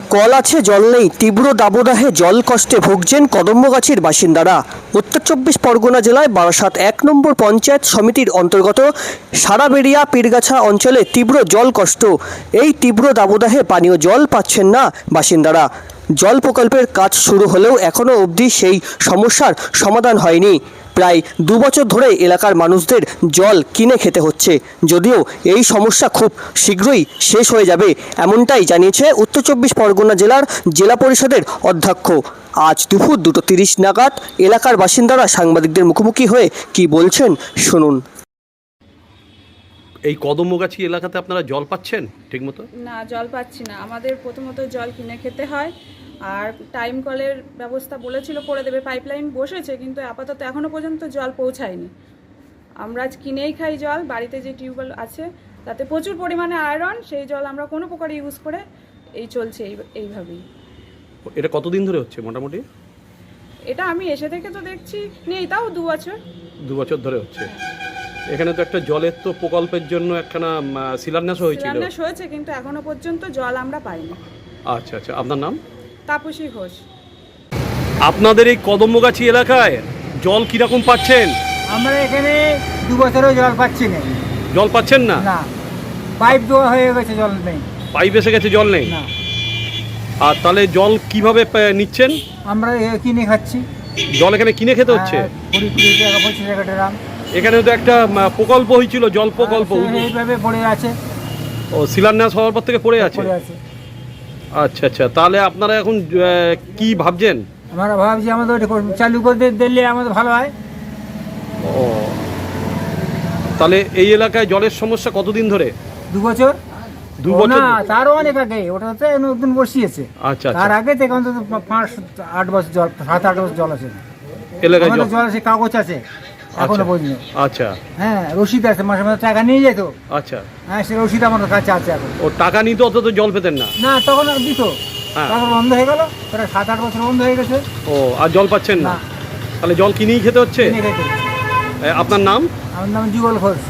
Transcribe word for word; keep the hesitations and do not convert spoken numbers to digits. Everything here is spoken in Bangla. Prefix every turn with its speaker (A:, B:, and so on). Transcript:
A: কল আছে জল নেই, তীব্র দাবদাহে জল কষ্টে ভুগছেন কদম্বগাছির বাসিন্দারা। উত্তর চব্বিশ পরগনা জেলায় বারাসাত এক নম্বর পঞ্চায়েত সমিতির অন্তর্গত সারাবেড়িয়া পীরগাছা অঞ্চলে তীব্র জল কষ্ট। এই তীব্র দাবদাহে পানীয় জল পাচ্ছেন না বাসিন্দারা। জল প্রকল্পের কাজ শুরু হলেও এখনও অবধি সেই সমস্যার সমাধান হয়নি। প্রায় দু বছর ধরে এলাকার মানুষদের জল কিনে খেতে হচ্ছে, যদিও এই সমস্যা খুব শীঘ্রই শেষ হয়ে যাবে, এমনটাই জানিয়েছে উত্তর চব্বিশ পরগনা জেলার জেলা পরিষদের অধ্যক্ষ। আজ দুপুর দুটো তিরিশ নাগাদ এলাকার বাসিন্দারা সাংবাদিকদের মুখোমুখি হয়ে কি বলছেন শুনুন।
B: এই কদমগাছি এলাকাতে আপনারা জল পাচ্ছেন ঠিকমতো?
C: না, জল পাচ্ছি না। আমাদের প্রথমত জল কিনে খেতে হয়, আর টাইম কলের ব্যবস্থা বলেছিল করে দেবে, পাইপলাইন বসেছে, কিন্তু আপাতত এখনও পর্যন্ত জল পৌঁছায়নি। আমরা আজ কিনেই খাই জল। বাড়িতে যে টিউবওয়েল আছে তাতে প্রচুর পরিমাণে আয়রন, সেই জল আমরা কোনো প্রকার ইউজ করে এই চলছে এই এইভাবেই।
B: এটা কতদিন ধরে হচ্ছে মোটামুটি?
C: এটা আমি এসে থেকে তো দেখছি নেই, তাও দু বছর
B: দু বছর ধরে হচ্ছে। এখানে তো একটা জলের তো প্রকল্পের জন্য একখানা শিলান্যাস হয়েছিল।
C: শিলান্যাস হয়েছে, কিন্তু এখনো পর্যন্ত জল আমরা পাইনি।
B: আচ্ছা আচ্ছা, আপনার নাম?
C: তাপসী ঘোষ।
B: আপনাদের এই কদমগাছি এলাকায় জল কিরকম পাচ্ছেন?
D: আমরা এখানে দু বছরও জল পাচ্ছি না।
B: জল পাচ্ছেন না?
D: না, পাইপ দেওয়া হয়ে গেছে, জল নেই।
B: পাইপ এসে গেছে, জল নেই?
D: না।
B: আর তাহলে জল কিভাবে পে- নিচ্ছেন?
D: আমরা এ কিনে খাচ্ছি।
B: জল এখানে কিনে খেতে হচ্ছে?
D: হ্যাঁ, কুড়ি কুড়ি টাকা পঁচিশ টাকা ড্রাম।
B: এখানে তো একটা আহ, প্রকল্প হয়েছিল, জল প্রকল্প,
D: আর সে এইভাবে পড়ে আছে,
B: ও শিলান্যাস হওয়ার পর থেকে পড়ে আছে।
D: পড়ে আছে।
B: আচ্ছা আচ্ছা, তাহলে আপনারা এখন আহ, কি ভাবছেন?
D: আমরা ভাবছি আমাদের ওটা কর- চালু করে দে- দিলে আমাদের ভালো হয়।
B: ও, তাহলে এই এলাকায় জলের সমস্যা কতদিন ধরে?
D: দু বছর
B: দু
D: ও
B: বছর
D: না, তারও অনেক আগে। ওটা তো নতুন বসিয়েছে।
B: আচ্ছা আচ্ছা,
D: তার আগে থেকে অন্তত পাঁচ আট বছর জল, সাত আট বছর জল আছে।
B: এলাকায়
D: আমাদের
B: জল।
D: জল আছে, কাগজ আছে এখনো
B: আচ্ছা
D: পর্যন্ত।
B: আচ্ছা
D: হ্যাঁ, রসিদ আছে, মাসে মাসে টাকা নিয়ে যেত।
B: আচ্ছা,
D: হ্যাঁ, সে রসিদ আমাদের কাছে আছে এখন।
B: ও টাকা নিতে অত তো জল পেতেন না?
D: না, তখন আর দিত,
B: হ্যাঁ।
D: তারপর বন্ধ হয়ে গেল। প্রায় সাত আট বছর বন্ধ হয়ে গেছে।
B: ও, আর জল পাচ্ছেন না?
D: না।
B: তাহলে জল কিনেই খেতে হচ্ছে?
D: কিনে খেতে।
B: এ, আপনার নাম?
D: আমার নাম যুগল ঘোষ।